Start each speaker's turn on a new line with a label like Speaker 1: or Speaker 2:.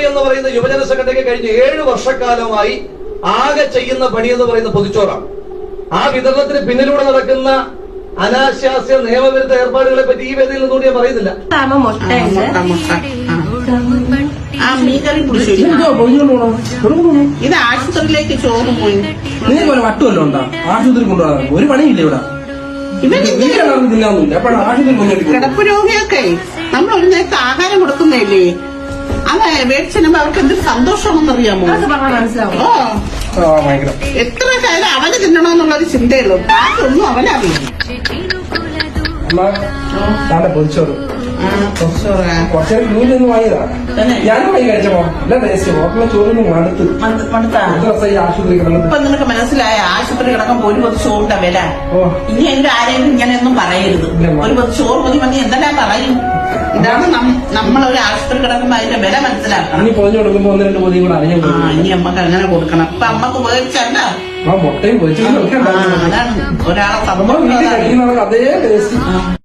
Speaker 1: എന്ന് പറയുന്ന യുവജന സംഘടനയ്ക്ക് കഴിഞ്ഞ 7 വർഷക്കാലമായി ആകെ ചെയ്യുന്ന പണി എന്ന് പറയുന്ന പൊതിച്ചോറാണ്. ആ വിതരണത്തിന് പിന്നിലൂടെ നടക്കുന്ന അനാശാസ്യ നിയമവിരുദ്ധ ഏർപ്പാടുകളെ പറ്റി ഈ വേദിയിൽ നിന്നുകൂടി ഞാൻ പറയുന്നില്ല.
Speaker 2: ഇത് ആശുപത്രിയിലേക്ക് ചോറ് പോയി.
Speaker 3: നിനക്ക് വട്ടുമല്ലോ ഉണ്ടാ ആശുപത്രി കൊണ്ടുപോകാൻ ഒരു പണിയില്ല ഇവിടെ.
Speaker 2: കിടപ്പ് രോഗിയൊക്കെ നമ്മൾ ഒരു നേരത്തെ ആഹാരം കൊടുക്കുന്നതല്ലേ, അത് മേടിച്ചെല്ലുമ്പോ അവർക്ക് എന്തൊരു സന്തോഷമാണെന്നറിയാമോ? എത്ര കാര്യം അവന് തിന്നണമെന്നുള്ളൊരു ചിന്തയുള്ളൂ, ബാക്കിയൊന്നും അവനറിയാം.
Speaker 3: പൊതിച്ചോറ് കുറച്ചേരം നൂലൊന്നും വാങ്ങിയതാ, ഞാനും വാങ്ങി കഴിച്ചപ്പോ നല്ല ടേസ്റ്റ്. ഹോട്ടലിലെ ചോറൊന്നും മടുത്ത് ആശുപത്രി കിടന്നത്.
Speaker 2: ഇപ്പൊ നിനക്ക് മനസ്സിലായ ആശുപത്രി കിടക്കുമ്പോ ഒരു പൊതി ചോറിന്റെ വില. ഇനി എന്റെ ആരെങ്കിലും ഇങ്ങനെയൊന്നും പറയരുത്. ഒരു പൊതി ചോറ് മതി മതി എന്തെല്ലാം പറയും. ഇതാണ് നമ്മളൊരു ആശുപത്രി കിടക്കുമ്പോ അതിന്റെ വില മനസ്സിലാക്കണം.
Speaker 3: ഇനി പൊതിഞ്ഞു കൊടുക്കുമ്പോ 1-2 പൊതിയും കൂടെ അറിഞ്ഞു.
Speaker 2: ഇനി അമ്മക്ക് അങ്ങനെ കൊടുക്കണം. ഇപ്പൊ അമ്മക്ക് ഉപയോഗിച്ചല്ല
Speaker 3: മുട്ടയും പൊതിച്ചു.
Speaker 2: അതാണ് ഒരാളെ
Speaker 3: അതേ ടേസ്റ്റ്.